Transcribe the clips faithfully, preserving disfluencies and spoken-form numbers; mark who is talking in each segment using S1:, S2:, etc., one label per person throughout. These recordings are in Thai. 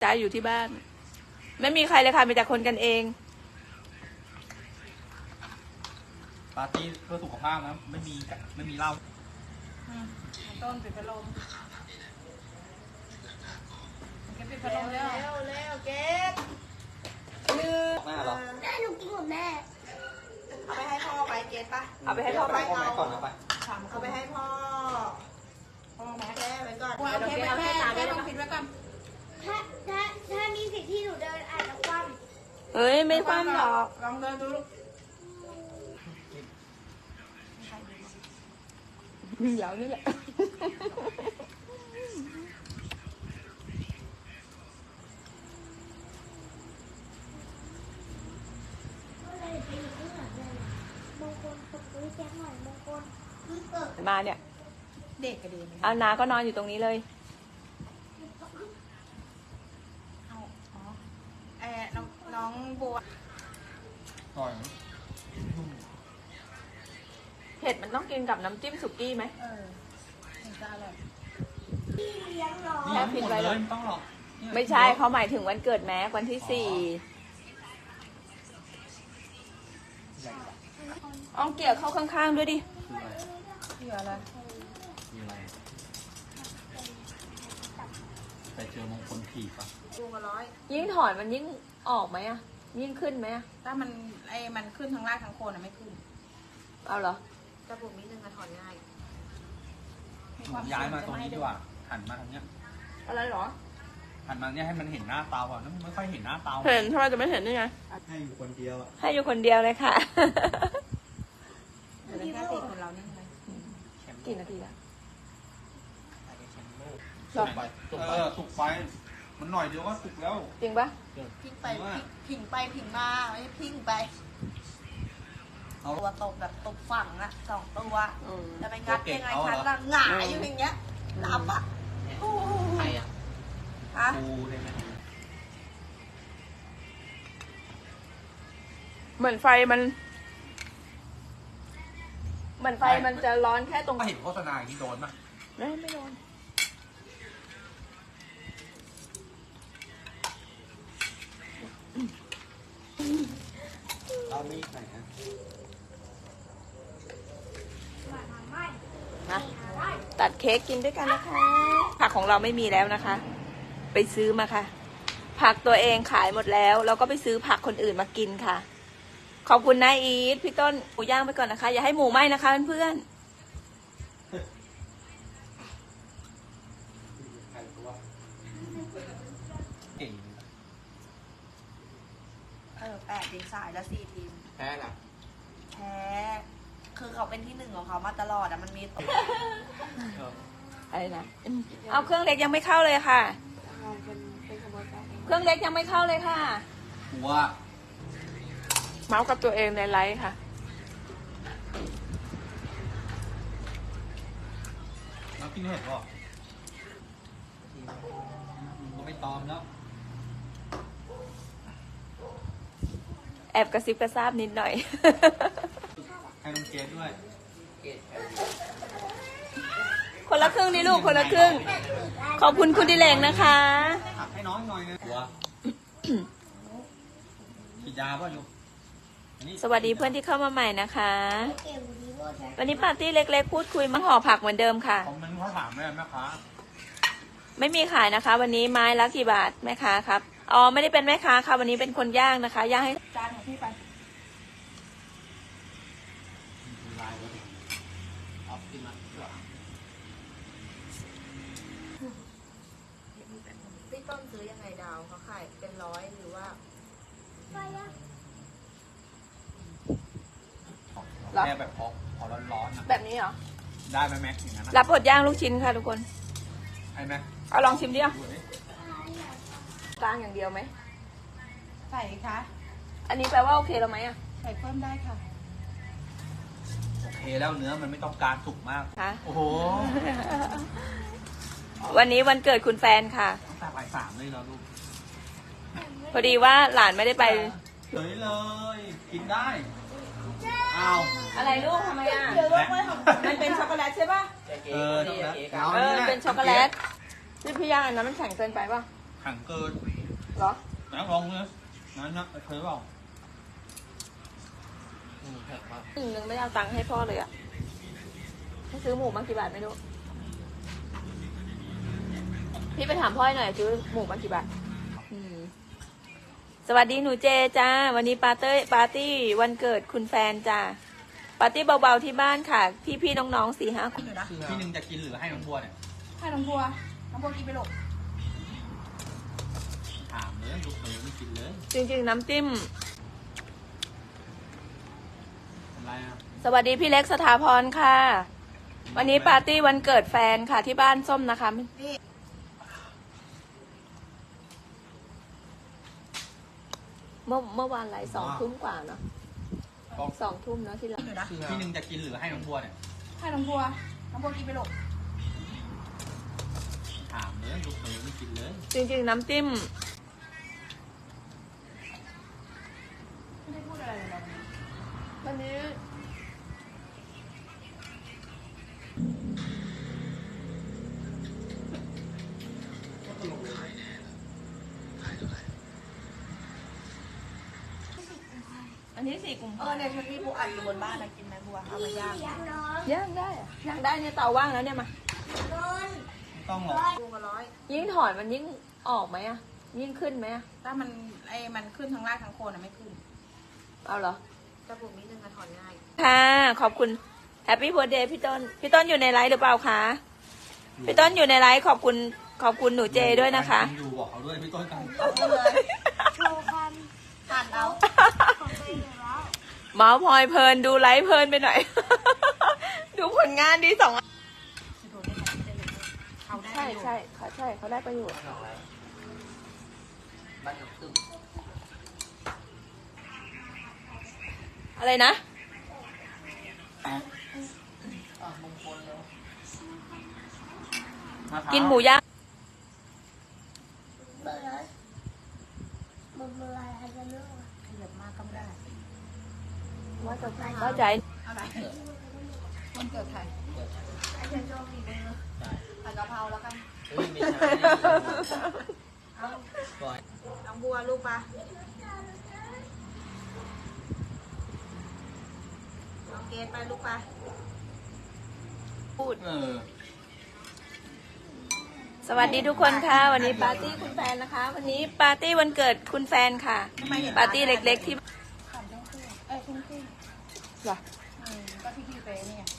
S1: จ้าอยู่ที่บ้านไม่มีใครเลยค่ะมีแต่คนกันเอง
S2: ปาร์ตี้เพื่อสุขภาพนะไม่มีไม่มีเหล้า
S1: ต้นปิดพัดลมเก็บปิดพัดลมเร็วเร็วเร็วเก็บ
S2: หน้าหรอ
S3: แม่หนูกินหมดแม่
S4: เอาไปให้พ่อไปเกตปะ
S1: เอาไปให้พ่อไป
S2: พ่อแม่ก่อนนะไป
S4: เอาไปให้พ่อพ่อแม่แก้ไว้ก่อน
S1: เอาแค่เอาแค่แค่ต้องปิดไว้ก่อน
S3: ถ้าถ้าถ้ามีสิทธิ์ที่หนูเดินอาจจะคว่
S1: ำเฮ้ยไม่คว่ำหรอก
S4: ลองเดินดูลูก
S1: เดี๋ยวนี่แหละมาเนี่ย
S4: เด็กกระเด็น
S1: เอานาก็นอนอยู่ตรงนี้เลย
S4: เอาอ๋อเออน้องน้องบัว
S2: ต่อย
S1: เผ็ดมันต้องกินกับน้ำจิ้มสุกี้ไหม
S4: เออเห็นจะอร่อย
S3: พี่เลี้ยงน้อง
S2: นี่หมดเลยไม่ต้องหรอก
S1: ไม่ใช่เขาหมายถึงวันเกิดแม็กวันที่สี่อ้องเกี่ยวเข้าข้างๆด้วยดิ
S4: เหลืออะไร
S2: มีอะไรแต่เจอมงคลผีปะ
S4: ดูมาร้อย
S1: ยิ่งถอนมันยิ่งออกไหมอะยิ่งขึ้นไหมอะ
S4: ถ้ามันไอ้มันขึ้นทั้งรากทั้งโคนอะไม่ขึ้น
S1: เอาเหรอ
S4: จะปลูกนิดนึงอะถอนง่าย
S2: ย้ายมาตรงนี้ดีกว่าหันมาทางเนี้ย
S1: อะไรหรอ
S2: หันมาเนี้ยให้มันเห็นหน้าเตาอ่ะนั่นไม่ค่อยเห็นหน้าเตา
S1: เห็นทำไมจะไม่เห็นได้ไง
S2: ให้อยู่คนเดียวอ่ะ
S1: ให้อยู่คนเดียวเลยค่ะ
S4: เหลือแค่สี่คนเรานี่เลย
S1: กี่นาทีละ
S2: สุกไปเออสุกไปมันหน่อยเดียวก็สุกแล้ว
S1: จริงปะ
S4: พิงไปพิงไปพิงมาไม่ใช่พิงไปตัวตกแบบตกฝั่งอะสองตัวจะไปงัดยังไงฉันละหงายอยู่อย่างเงี้ยนับอะ
S2: ใครอะ
S4: ฮะ
S2: กูได้ไหม
S1: เหมือนไฟมันเหมือนไฟมันจะร้อนแค่ตรง
S2: เห็นโฆษณาอย่างนี้โดนป่ะ
S1: ไม่ไม่โดน
S2: เรามีไหนฮะ
S1: ตัดเค้กกินด้วยกันนะคะผักของเราไม่มีแล้วนะคะ ไปซื้อมาค่ะผักตัวเองขายหมดแล้วเราก็ไปซื้อผักคนอื่นมากินค่ะขอบคุณนายอีทพี่ต้นหมูย่างไปก่อนนะคะอย่าให้หมูไหม้นะคะเพื่อน
S4: เออแปดทีมสายแล้วสี่ทีม
S2: แพ้ล่ะ
S4: แพ้คือเขาเป็นที่หนึ่งของเขามาตลอดอะมันมีตก
S1: อะไรนะเอาเครื่องเล็กยังไม่เข้าเลยค่ะเครื่องเล็กยังไม่เข้าเลยค่ะ
S2: หัว
S1: เมาส์กับตัวเองในไลฟ์ค่ะ
S2: น้ำกินเห็ดป่ะก็ไม่ตอมแล้ว
S1: แอบกระซิบกระซาบนิดหน่อย
S2: ให้น้องเกดด้วย
S1: คนละครึ่งนี่ลูกคนละครึ่งขอบคุณคุณดิเลงนะคะ
S2: ให้น้องหน่อยนะหัวฉีดยาป่ะลูก
S1: สวัสดีเพื่อนที่เข้ามาใหม่นะคะวันนี้ปาร์ตี้เล็กๆพูดคุยมาห่อผักเหมือนเดิมค่ะ
S2: ผมมันเขาถามแม่แม่ค้า
S1: ไม่มีขายนะคะ วันนี้ไม้ละกี่บาทแม่ค้าครับอ๋อไม่ได้เป็นแม่ค้าค่ะวันนี้เป็นคนย่างนะคะย่างให้จานของพี่ไป
S4: พี่ต้นซื้อยังไงดาวเขาขายเป็นร้อยหรือว่า
S2: แม่แบบพอพอร้อนๆนะ
S1: แบบนี้เหรอ
S2: ได้ไหมแม็กอย่างนั้น
S1: รับบดย่างลูกชิ้นค่ะทุกคน
S2: ไอ้แม็ก
S1: เอาลองชิมดิอ่ะกลางอย่างเดียวไหม
S4: ใส่คะ
S1: อันนี้แปลว่าโอเคแล้วไหมอ่ะ
S4: ใส่เพิ่มได้ค่ะ
S2: โอเคแล้วเนื้อมันไม่ต้องการสุกมากโอ้โห
S1: วันนี้วันเกิดคุณแฟนค่ะ
S2: ตั้งแต่บ่ายสามเลยแล้วลูก
S1: พอดีว่าหลานไม่ได้ไป
S2: เฉยเลยกินได้อ้าว
S1: อะไรลูกทำไมอ่ะมันเป็นช็อกโกแลตใช่ป่ะ
S2: เออช็อกโกแลต
S1: เออเป็นช็อกโกแลตนี่พี่ย่างอันนั้นมันแข็งเกินไปป่ะ
S2: แข็งเกิน
S1: เหรอ
S2: น้ำลองเลยนั่นนะเคยเปล่าอืมแข็งมาก
S1: หนึ่งหนึ่งไม่เอาตังค์ให้พ่อเลยอะให้ซื้อหมูมากี่บาทไม่รู้ พี่ไปถามพ่อหน่อยซื้อหมูมากี่บาทอืมสวัสดีหนูเจจ้า วันนี้ปาร์ตี้ปาร์ตี้วันเกิดคุณแฟนจ้า ปาร์ตี้เบาๆที่บ้านค่ะ พี่ๆน้องๆสี่ห้าคน
S4: กินอยู่นะ
S2: พี่หนึ่งจะกินหรือให้น้องบัวเนี่ย
S4: ให้น้องบัวน้องบัวกินไปหลก
S2: ถามเลยลูกเขยไม่กินเลย
S1: จริงๆน้ำจิ้ม
S2: อะไรอ่ะ
S1: สวัสดีพี่เล็กสถาพรค่ะ วันนี้ปาร์ตี้วันเกิดแฟนค่ะที่บ้านส้มนะคะ
S4: นี่
S1: เมื่อเมื่อวานไหลสองทุ่มกว่าเนาะ
S2: บอก
S1: สองทุ่มเนาะที่เรา
S4: กินอยู่นะ
S2: พี่หนึ่งจะกินหรือให้น้องบัวเนี่ย
S4: ให้น้องบัวน้องบัวกินไปหลก
S2: ถามเลยลูกเขยไม่กินเลย
S1: จริงๆน้ำจิ้ม
S4: ไม่ได้พูดอะไรเลยนะ
S1: วันนี้อันนี้สี่กลุ่ม
S4: เออเนี่ยฉันมีบัวอัดอยู่บนบ้านนะกินไหมบัวเอามาย่าง
S3: อยากนอน
S1: ย่างได้อะย่างได้เนี่ยเตาว่างแล้วเนี่ยมา
S3: นอน
S2: ไม่ต้องหรอก
S4: บัวมาร้อย
S1: ยิ่งถอนมันยิ่งออกไหมอะยิ่งขึ้นไหมอะ
S4: ถ้ามันไอ้มันขึ้นทั้งรากทั้งโคนอ่ะไม่ขึ้น
S1: เอาเหรอ
S4: จะปลูกนิดนึงอะถอนง่าย
S1: ค่ะ ขอบคุณแฮปปี้เบิร์ดเดย์พี่ต้น พี่ต้นอยู่ในไลฟ์หรือเปล่าคะ พี่ต้นอยู่ในไลฟ์ขอบคุณขอบคุณหนูเจด้วยนะคะ
S2: อยู่บอกเขาด้วยพี่ต้นกัน
S4: เอาไปเลย
S3: โชว์ความ
S4: ทานเอา
S3: ของตัวเองอยู่แล้ว
S1: เมาส์พลอยเพลินดูไลฟ์เพลินไปหน่อย ดูผลงานดีสองอัน
S4: เขาได้
S1: ใช่ใช่ค่ะใช่เขาได้ประโยชน์อะไรนะ กินหมูย่าง
S3: เบอร์เลยเบอร์เบอร์อะไรอาจจะเลือก
S4: ขยับมากก็ไม่ได้
S1: ว่าจะว่าใจ
S4: อะไรวันเกิดใคร
S3: อาจจะโชว์ฝีมือ
S4: ผัดกะเพราแล้วกัน
S2: เฮ้ยไม่ใช่
S4: เอา
S2: ปล่อย
S4: น้องบัวลูกปะน้องเกดไปลูกปะ
S1: พูด
S2: เออ
S1: สวัสดีทุกคนค่ะ วันนี้ปาร์ตี้คุณแฟนนะคะ วันนี้ปาร์ตี้วันเกิดคุณแฟนค่ะ ปาร์ตี้เล็กๆที่
S4: ขันต้องขึ้นเอ้ยขึ้นขึ้น
S1: เหรอ
S4: อืมก็ที่พี่เฟนี่ไง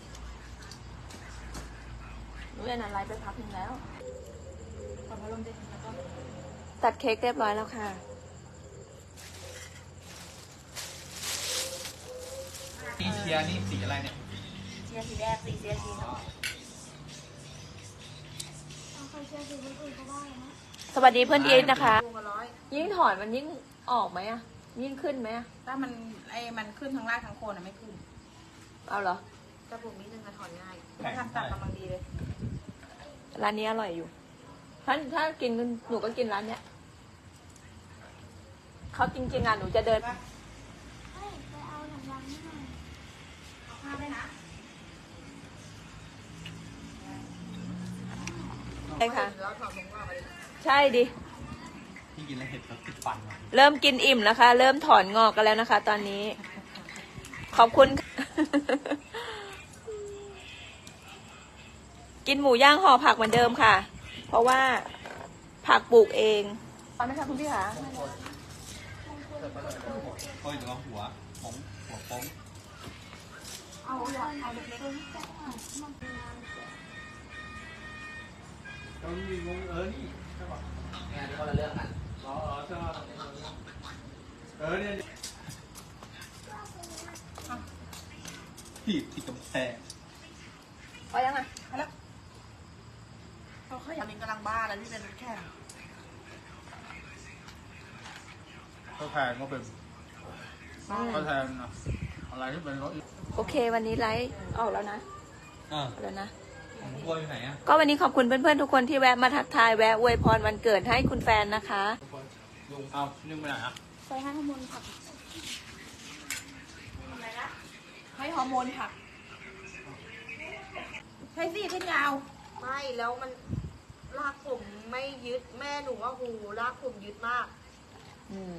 S1: หนูเรียนอะไรไปพักหนึงแล้ว
S4: ขอพัดลมดิแล้วก็
S1: ตัดเค้กเรียบร้อยแล้วค่ะ
S2: นี่เชียร์นี่สีอะไรเนี่ย
S4: เชียร์สีแดงสีเชียร์สีเนาะ
S3: เอาใครเชื่อฝีมืออื่นเขาบ้างนะ
S1: สวัสดีเพื่อนอีทนะคะ
S4: ลูกมาร้อย
S1: ยิ่งถอนมันยิ่งออกไหมอะยิ่งขึ้นไหมอะ
S4: ถ้ามันไอ้มันขึ้นทั้งรากทั้งโคนอ่ะไม่ขึ้น
S1: เอาเหรอ
S4: จะปลูกนิดนึงอะถอนง่ายถ้าทำตัดกำลังดีเลย
S1: ร้านนี้อร่อยอยู่ ถ้าถ้ากินหนูก็กินร้านเนี้ยเขาจริงๆอ่ะหนูจะเดิน
S3: เฮ้ยไปเอาหนังยางให้หน่อย
S4: เอาผ้าด้วยนะ
S1: ใช่ค่ะ
S4: แล้วถอนผมงอกไปดิ
S1: ใช่ดิ
S2: พี่กินแล้วเห็ดเขาติดฟันว่ะ
S1: เริ่มกินอิ่มแล้วค่ะ เริ่มถอนงอกกันแล้วนะคะ ตอนนี้ ขอบคุณ กินหมูย่างห่อผักเหมือนเดิมค่ะ เพราะว่าผักปลูกเองตอนนี้ค่ะคุณพี่คะ
S2: เฮ้ยเดี๋ยวเอาหัวผมหัวโป้ง
S4: เอาเอาเล็ก
S2: เรามีงงเออนี่ใช่ป่ะงานที่เขาเลือกกันอ๋อใช่เออเนี่ยผิดผิดกำแพง
S1: พอยังไง
S4: ๆเอาแล้วเขาขยันกำลังบ้าแล้วที่เป็นแค่
S2: ก็แทนก็เป็นก็แทนนะอะไรที่เป็นรถ
S1: โอเค วันนี้ไลฟ์ออกแล้วนะ
S2: อ่า
S1: ออกแล้วนะ
S2: ของบัวอยู่ไหนอ่ะ
S1: ก็วันนี้ขอบคุณเพื่อนๆทุกคนที่แวะมาทักทายแวะอวยพรวันเกิดให้คุณแฟนนะคะ
S2: ลุงเอานึ่งไปไหนอ่ะ
S3: ไปให้ข้อมูลผัก
S4: อะไรนะให้ฮอร์โมนผักใช่สิเส้นยาว ไม่แล้วมันลากผมไม่ยึดแม่หนูว่าหูลากผมยึดมาก
S1: อืม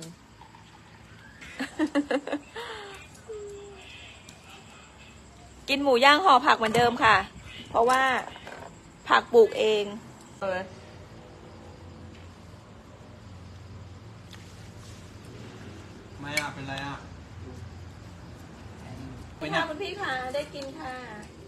S1: กินหมูย่างห่อผักเหมือนเดิมค่ะ เพราะว่าผักปลูกเองเออ
S2: ไม่อ่ะ เป็นไรอ่ะ
S1: คุณค่ะคุณพี่ค่ะ ได้กินค่ะ